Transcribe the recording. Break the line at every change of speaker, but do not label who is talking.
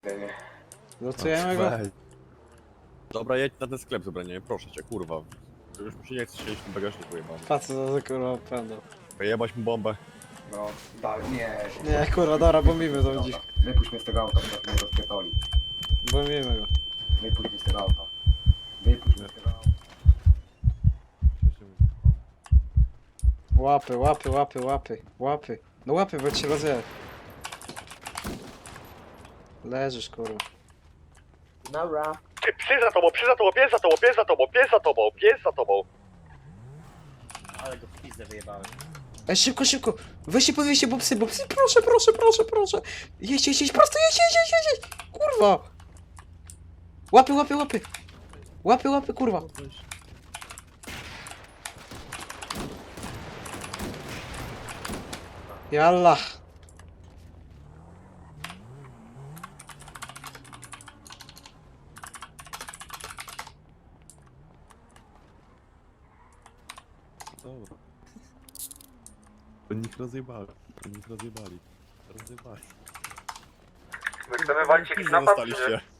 Losujemy go?
Dobra, jedź na ten sklep zebranie, proszę cię, kurwa. Już mi się nie chce siedzieć w tym bagażniku jebany.
Patrz co za kurwa pewno.
Wyjebać mu bombę.
No, dalej, nie.
Nie kurwa, dobra, bombimy to dziś.
Wypuść mnie z tego auta, bo mnie rozpierdoli.
Bombimy go.
Wypuść mnie z tego auta. Wypuść mnie z tego auta.
Łapy, łapy, łapy, łapy, łapy. No łapy, bo ci rozjedę. Leżysz kurwa.
Dobra.
Psy za tobą, psy za tobą, pies za tobą, pies za tobą, pies za tobą, pies za tobą.
Ale go w pizdę wyjebałem.
Ej, szybko, szybko! Weźcie, podwieźcie, bo psy, proszę, proszę, proszę, proszę! Jedź, prosto, jedź! Kurwa! Łapy, łapy, łapy! Łapy, łapy, kurwa! Jalla!
Dobra. Oni ich rozjebali. Rozjebali.
Chcemy walczyć jakiś napad, czy nie?
Zostaliście.